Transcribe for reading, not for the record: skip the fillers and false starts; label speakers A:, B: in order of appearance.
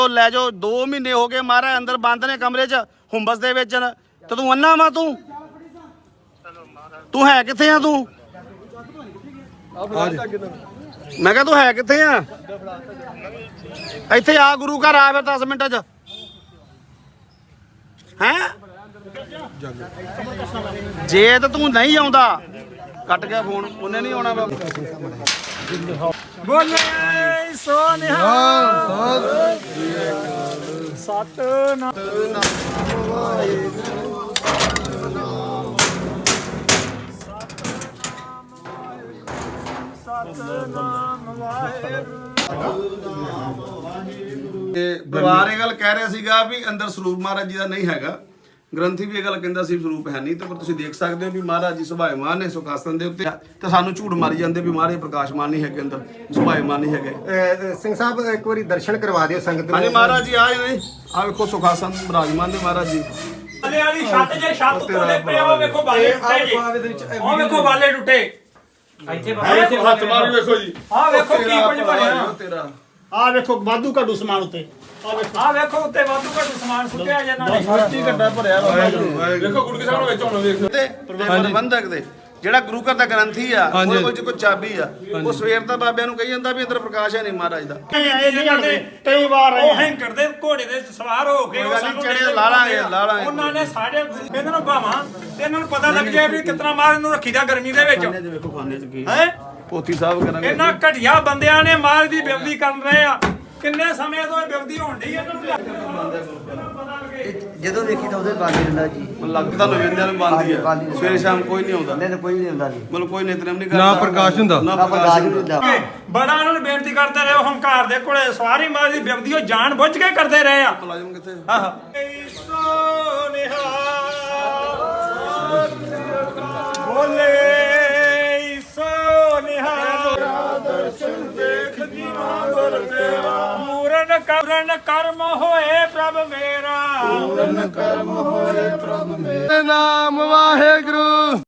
A: ਲੈ ਜਾਓ 2 ਮਹੀਨੇ ਹੋ ਗਏ ਮਹਾਰਾਜ ਅੰਦਰ ਬੰਦ ਨੇ ਕਮਰੇ 'ਚ ਹੁੰਬਸ ਦੇ ਵਿੱਚ ਤੇ ਤੂੰ ਅੰਨਾ ਵਾ ਤੂੰ ਹੈ ਕਿੱਥੇ ਆ ਤੂੰ ਮੈਂ ਕਿਹਾ ਤੂੰ ਹੈ ਕਿੱਥੇ ਆ ਇੱਥੇ ਆ ਗੁਰੂ ਘਰ ਆ ਫਿਰ 10 ਮਿੰਟਾਂ 'ਚ ਹੈਂ ਜੇ ਤਾਂ ਤੂੰ ਨਹੀਂ ਆਉਂਦਾ ਕੱਟ ਗਿਆ ਫੋਨ ਉਹਨੇ ਨਹੀਂ ਆਉਣਾ ਬੋਲੇ ਸੋਨਿਹਾ ਸਤਨਾਮ ਪਰਿਵਾਰ ਇਹ ਗੱਲ ਕਹਿ ਰਿਹਾ ਸੀਗਾ ਵੀ ਅੰਦਰ ਸਰੂਪ ਮਹਾਰਾਜ ਜੀ ਦਾ ਨਹੀਂ ਹੈਗਾ ਗ੍ਰੰਥੀ ਵੀ ਇਹ ਗੱਲ ਕਹਿੰਦਾ ਸੀ ਸਰੂਪ ਹੈ ਨਹੀਂ ਤੇ ਪਰ ਤੁਸੀਂ ਦੇਖ ਸਕਦੇ ਹੋ ਵੀ ਮਹਾਰਾਜ ਜੀ ਸੁਭਾਇਮਾਨ ਨੇ ਸੁਖਾਸਨ ਦੇ ਉੱਤੇ ਤੇ ਸਾਨੂੰ ਝੂਠ ਮਾਰੀ ਜਾਂਦੇ ਵੀ ਮਹਾਰਾਜ ਪ੍ਰਕਾਸ਼ਮਾਨ ਨਹੀਂ ਹੈਗੇ ਅੰਦਰ ਸੁਭਾਇਮਾਨ ਨਹੀਂ ਹੈਗੇ
B: ਸਿੰਘ ਸਾਹਿਬ ਇੱਕ ਵਾਰੀ ਦਰਸ਼ਨ ਕਰਵਾ ਦਿਓ ਸੰਗਤ ਨੂੰ
A: ਹਾਂਜੀ ਮਹਾਰਾਜ ਜੀ ਆਏ ਨੇ ਆ ਵੇਖੋ ਸੁਖਾਸਨ ਵਿਰਾਜਮਾਨ ਨੇ ਮਹਾਰਾਜ ਜੀ
C: ਵਾਲੇ ਵਾਲੀ ਛੱਤ ਜੇ ਛੱਤ ਉੱਤੇ ਪਏ ਉਹ ਵੇਖੋ ਬਾਲੇ ਟੁੱਟੇ ਜੀ ਉਹ ਵੇਖੋ ਬਾਲੇ ਟੁੱਟੇ ਇੱਥੇ
A: ਹੱਥ ਮਾਰ ਵੇਖੋ ਜੀ
C: ਆ ਵੇਖੋ ਕੀ ਕੁਝ ਬਣਿਆ
A: ਤੇਰਾ
D: ਆ ਵੇਖੋ ਵਾਧੂ ਘਾਟੂ ਸਮਾਨ ਉੱਤੇ
C: ਆ ਵੇਖੋ ਉੱਤੇ ਵਾਧੂ ਘਟੂ ਸਮਾਨ ਸੁੱਟਿਆ ਜਾਂਦਾ ਨੇ
A: ਸੱਚੀ ਗੱਡਾ ਭਰਿਆ ਵੇਖੋ ਗੁਰੂ ਕੇ ਸਾਹਮਣੇ ਵਿੱਚ ਹੁਣ ਵੇਖੋ ਤੇ ਪ੍ਰਬੰਧਕ ਦੇ ਜਿਹੜਾ ਗੁਰੂ ਘਰ ਦਾ ਗ੍ਰੰਥੀ ਆ ਉਹਦੇ ਕੋਲ ਕੋਈ ਚਾਬੀ ਆ ਉਹ ਸਵੇਰ ਦਾ ਬਾਬਿਆਂ ਨੂੰ ਕਹੀ ਜਾਂਦਾ ਵੀ ਅੰਦਰ ਪ੍ਰਕਾਸ਼ ਹੈ ਨਹੀਂ ਮਹਾਰਾਜ ਦਾ
D: ਇਹ ਨਹੀਂ ਆਉਂਦੇ ਕਈ ਵਾਰ
C: ਉਹ ਹੈਂਕਰ ਦੇ ਘੋੜੇ ਦੇ ਸਵਾਰ ਹੋ ਕੇ ਉਹ ਸਾਨੂੰ
A: ਚੜੇ ਲਾਲਾਂਗੇ
C: ਉਹਨਾਂ ਨੇ ਸਾਡੇ ਇਹਨਾਂ ਨੂੰ ਭਾਵਾਂ ਤੇ ਇਹਨਾਂ ਨੂੰ ਪਤਾ ਲੱਗ ਜਾਏ ਵੀ ਕਿਤਨਾ ਮਾਰ ਇਹਨੂੰ ਰੱਖੀਦਾ ਗਰਮੀ ਦੇ ਵਿੱਚ
A: ਵੇਖੋ ਖਾਨੇ ਚ ਕੀ
C: ਹੈ
A: ਪੋਥੀ ਸਾਹਿਬ ਕਰਾਂਗੇ
C: ਇਹਨਾਂ ਘਟਿਆ ਬੰਦਿਆਂ ਨੇ ਮਾਰ ਦੀ ਬੇਵਦੀ ਕਰ ਰਹੇ ਆ ਕਿੰਨੇ ਸਮੇਂ ਤੋਂ ਇਹ ਬੇਵਦੀ ਹੋਣ ਢੀ ਇਹਨਾਂ ਨੂੰ
E: ਜਦੋਂ ਦੇਖੀ ਤਾਂ ਉਹਦੇ ਬਾਕੀ ਰਹਿੰਦਾ ਜੀ
A: ਲੱਗਦਾ ਲੋਵਿੰਦਿਆਂ ਨੂੰ ਬੰਦੀ ਆ ਸਵੇਰੇ ਸ਼ਾਮ ਕੋਈ ਨਹੀਂ ਆਉਂਦਾ
E: ਨਹੀਂ ਕੋਈ ਨਹੀਂ ਹੁੰਦਾ ਜੀ
A: ਮਤਲਬ ਕੋਈ ਨਿਤਨੇਮ ਨਹੀਂ ਕਰਦਾ
F: ਨਾ ਪ੍ਰਕਾਸ਼ ਹੁੰਦਾ
A: ਨਾ
E: ਨਾ
A: ਪ੍ਰਕਾਸ਼
E: ਪ੍ਰਕਾਸ਼ ਹੁੰਦਾ
C: ਬੜਾ ਉਹਨਾਂ ਨੂੰ ਬੇਨਤੀ ਕਰਦੇ ਰਹੇ ਹੰਕਾਰ ਦੇ ਕੋਲੇ ਸਵਾਰੀ ਮਾਰ ਦੀ ਬੇਵਦੀ ਉਹ ਜਾਣ ਬੁੱਝ ਕੇ ਕਰਦੇ ਰਹੇ ਆ
A: ਮੁਲਾਜ਼ਮ ਕਿੱਥੇ
C: ਆਹ ਬੋਲੇ ਸੋਨਿਹਾ ਦਰਸ਼ਨ ਦੇਖ ਜੀਵਾਂ ਗੁਰ ਤੇਰਾ ਮੂਰਨ ਕਰਮ ਹੋਏ ਪ੍ਰਭ ਮੇਰਾ
F: ਨਾਮ ਵਾਹਿਗੁਰੂ।